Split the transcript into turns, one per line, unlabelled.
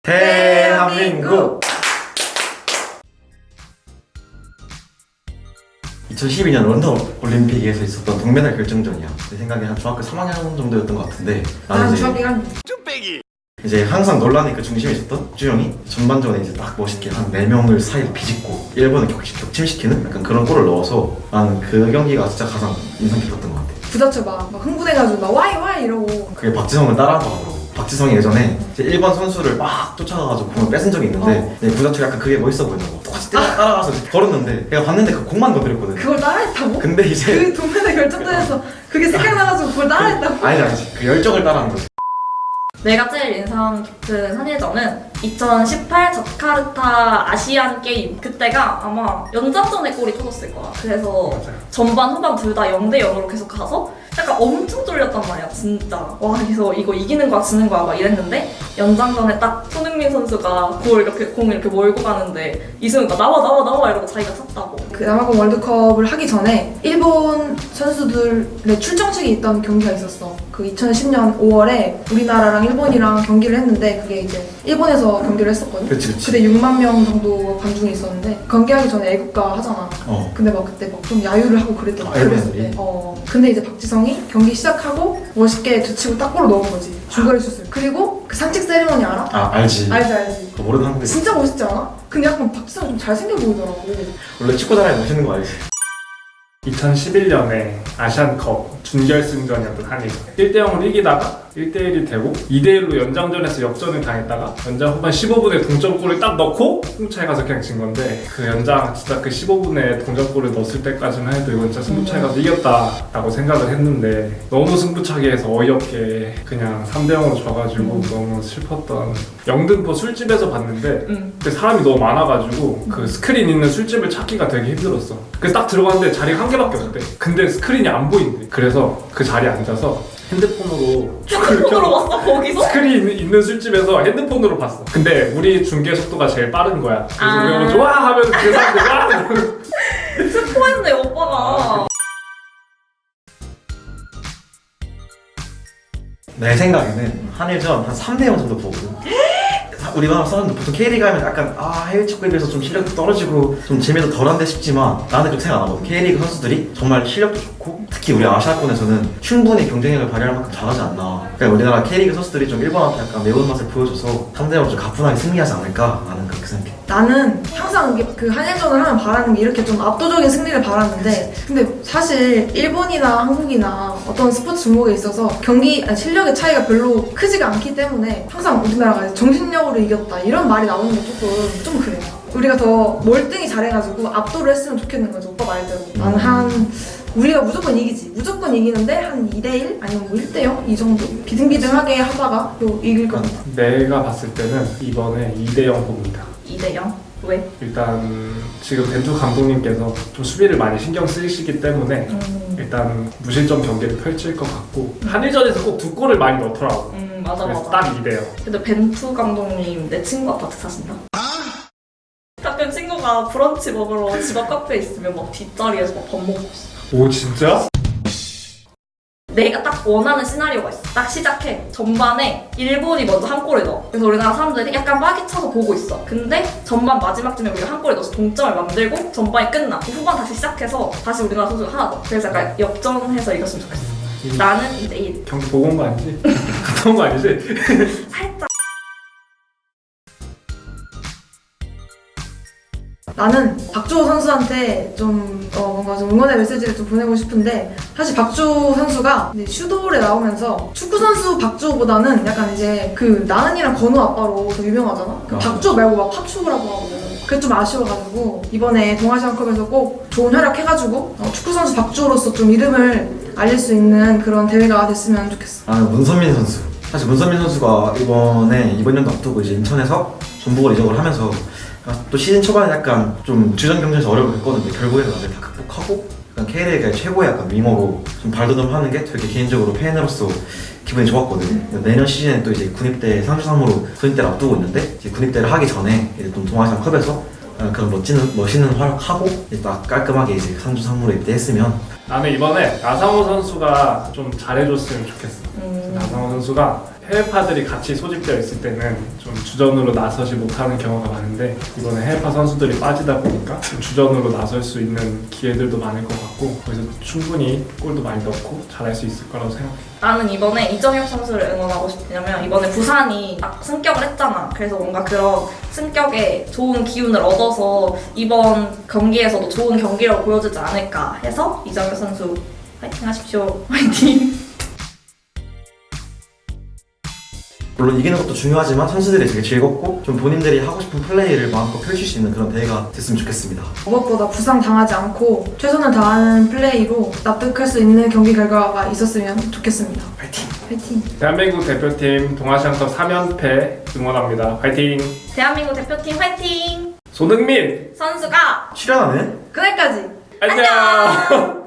대한민국 2012년 런던 올림픽에서 있었던 동메달 결정전이야. 내 생각에 한 중학교 3학년 정도였던 것 같은데 나는 이제 항상 논란의 그 중심에 있었던 주영이 전반전에 이제 딱 멋있게 한 4명을 사이를 비집고 일본을 격침시키는 약간 그런 골을 넣어서 나는 그 경기가 진짜 가장 인상 깊었던 것 같아.
부자체 막 흥분해가지고 막 와이 이러고.
그게 박지성을 따라한 거 같더라고. 박지성이 예전에 이제 일본 선수를 막 쫓아가가지고 공을 뺏은 적이 있는데 구자철이 약간 그게 멋있어 보이더라고. 똑같이 따라가서 걸었는데 내가 봤는데 그 공만 건드렸거든.
그걸 따라했다고?
근데 이제
그 동메달 결정전에서 그게 생각나가지고 그걸 따라했다고?
아니지 그 열정을 따라한 거지.
내가 제일 인상 깊은 한일전은 2018 자카르타 아시안 게임, 그때가 아마 연장전에 골이 터졌을 거야. 그래서
맞아요.
전반 후반 둘 다 0대 0으로 계속 가서 약간 엄청 쫄렸단 말이야, 진짜. 와, 그래서 이거 이기는 거야 지는 거야 막 이랬는데 연장전에 딱 손흥민 선수가 공을 이렇게 몰고 가는데 이승우가 나와 이러고 자기가 찼다고.
그 남아공 월드컵을 하기 전에 일본 선수들의 출정식이 있던 경기가 있었어. 그 2010년 5월에 우리나라랑 일본이랑 경기를 했는데 그게 이제 일본에서 경기를 했었거든.
그치.
그때 6만 명 정도 관중이 있었는데 경기하기 전에 애국가 하잖아. 근데 막 그때 막 좀 야유를 하고 그랬더라고.
일본 애들이?
근데 이제 박지성이 경기 시작하고 멋있게 뒤치고 딱 골을 넣은 거지. 중거리 슛을. 그리고 그 상책 세리머니 알아?
알지.
알지.
그거 모르는 한국인.
진짜 멋있지 않아? 근데 약간 박지성 좀 잘생겨 보이더라고.
원래 축구 잘하면 멋있는 거 알지?
2011년에 아시안컵 준결승전이었던 한일 1대0으로 이기다가 1대1이 되고 2대1로 연장전에서 역전을 당했다가 연장 후반 15분에 동점골을 딱 넣고 승부차에 가서 그냥 진 건데 그 연장 진짜 그 15분에 동점골을 넣었을 때까지만 해도 이건 진짜 승부차에 가서 이겼다라고 생각을 했는데 너무 승부차기에서 어이없게 그냥 3대0으로 져가지고 너무 슬펐던 영등포 술집에서 봤는데 그 사람이 너무 많아가지고 그 스크린 있는 술집을 찾기가 되게 힘들었어. 그래서 딱 들어갔는데 자리가 한 개밖에 없대. 근데 스크린이 안 보인대. 그래서 그 자리에 앉아서 핸드폰으로
핸드폰으로 봤어, 거기서?
스크린 있는 술집에서 핸드폰으로 봤어. 근데 우리 중계 속도가 제일 빠른 거야. 그래서 우리가 먼저 와 하면 그 사람들 와 하면
스포했네, 오빠가.
내 생각에는 한일전 한 3대0 정도 보거든. 우리나라 사람들 보통 K리그 하면 약간 해외 축구에 비해서 좀 실력도 떨어지고 좀 재미도 덜한데 싶지만 나는 그렇게 생각 안 하거든. K리그 선수들이 정말 실력도 좋고 특히 우리 아시아권에서는 충분히 경쟁력을 발휘할 만큼 잘하지 않나. 그러니까 우리나라 K리그 선수들이 좀 일본한테 약간 매운맛을 보여줘서 3대0으로 좀 가뿐하게 승리하지 않을까 나는 그렇게 생각해. 나는
항상 그 한일전을 하면 바라는 게 이렇게 좀 압도적인 승리를 바라는데 근데 사실 일본이나 한국이나 어떤 스포츠 종목에 있어서 실력의 차이가 별로 크지가 않기 때문에 항상 우리나라가 정신력으로 이겼다 이런 말이 나오는 게 조금 좀 그래요. 우리가 더 몰등이 잘해가지고 압도를 했으면 좋겠는 거죠. 오빠 말대로. 나는 우리가 무조건 이기지. 무조건 이기는데 한 2대1? 아니면 뭐 1대0? 이 정도? 비등비등하게 하다가 또 이길 것 같아.
내가 봤을 때는 이번에 2대0 봅니다.
2대 0? 왜?
일단 지금 벤투 감독님께서 좀 수비를 많이 신경 쓰시기 때문에 일단 무실점 경기를 펼칠 것 같고 한일전에서 꼭 2골을 많이 넣더라고.
맞아.
그래서 딱 2대0.
근데 벤투 감독님 내 친구 아파트 사신다? 가끔 친구가 브런치 먹으러 집 앞 카페에 있으면 막 뒷자리에서 막 밥 먹고 있어.
오 진짜?
내가 딱 원하는 시나리오가 있어. 딱 시작해. 전반에 일본이 먼저 한 골을 넣어. 그래서 우리나라 사람들이 약간 빠기 쳐서 보고 있어. 근데 전반 마지막쯤에 우리가 한 골을 넣어서 동점을 만들고 전반이 끝나. 후반 다시 시작해서 다시 우리나라 선수가 하나 더. 그래서 약간 역전해서 이겼으면 좋겠어. 나는 2대1.
경기 보고 온 거 아니지? 갔다 온 거 아니지?
살짝.
나는 박주호 선수한테 좀 뭔가 좀 응원의 메시지를 좀 보내고 싶은데 사실 박주호 선수가 이제 슈돌에 나오면서 축구 선수 박주호보다는 약간 이제 그 나은이랑 건우 아빠로 더 유명하잖아. 그 박주호 말고 막 팝축구라고 하거든. 그게 좀 아쉬워가지고 이번에 동아시안컵에서 꼭 좋은 활약 해가지고 축구 선수 박주호로서 좀 이름을 알릴 수 있는 그런 대회가 됐으면 좋겠어.
나는 문선민 선수. 사실 문선민 선수가 이번 연도 앞두고 이제 인천에서 전북을 이적을 하면서 또 시즌 초반에 약간 좀 주전 경쟁에서 어려움을 겪었는데 결국에는 나중에 다 극복하고 약간 K리그의 최고의 약간 미모로 좀 발돋움하는 게 되게 개인적으로 팬으로서 기분이 좋았거든. 내년 시즌에 또 이제 군입대 3주3무로 군입대를 앞두고 있는데 이제 군입대를 하기 전에 이제 또 동아시안컵에서 그런 멋있는 활약하고 이제 딱 깔끔하게 이제 3주3무로 입대했으면.
나는 이번에 나상호 선수가 좀 잘해줬으면 좋겠어. 나상호 선수가 해외파들이 같이 소집되어 있을 때는 좀 주전으로 나서지 못하는 경우가 많은데 이번에 해외파 선수들이 빠지다 보니까 좀 주전으로 나설 수 있는 기회들도 많을 것 같고 그래서 충분히 골도 많이 넣고 잘할 수 있을 거라고 생각해요.
나는 이번에 이정혁 선수를 응원하고 싶냐면 이번에 부산이 딱 승격을 했잖아. 그래서 뭔가 그런 승격에 좋은 기운을 얻어서 이번 경기에서도 좋은 경기를 보여주지 않을까 해서 이정혁 선수 화이팅 하십시오. 화이팅!
물론 이기는 것도 중요하지만 선수들이 되게 즐겁고 좀 본인들이 하고 싶은 플레이를 마음껏 펼칠 수 있는 그런 대회가 됐으면 좋겠습니다.
무엇보다 부상당하지 않고 최선을 다하는 플레이로 납득할 수 있는 경기 결과가 있었으면 좋겠습니다.
파이팅!
파이팅!
대한민국 대표팀 동아시안컵 3연패 응원합니다. 화이팅!
대한민국 대표팀 화이팅!
손흥민
선수가
출연하는
그날까지!
안녕!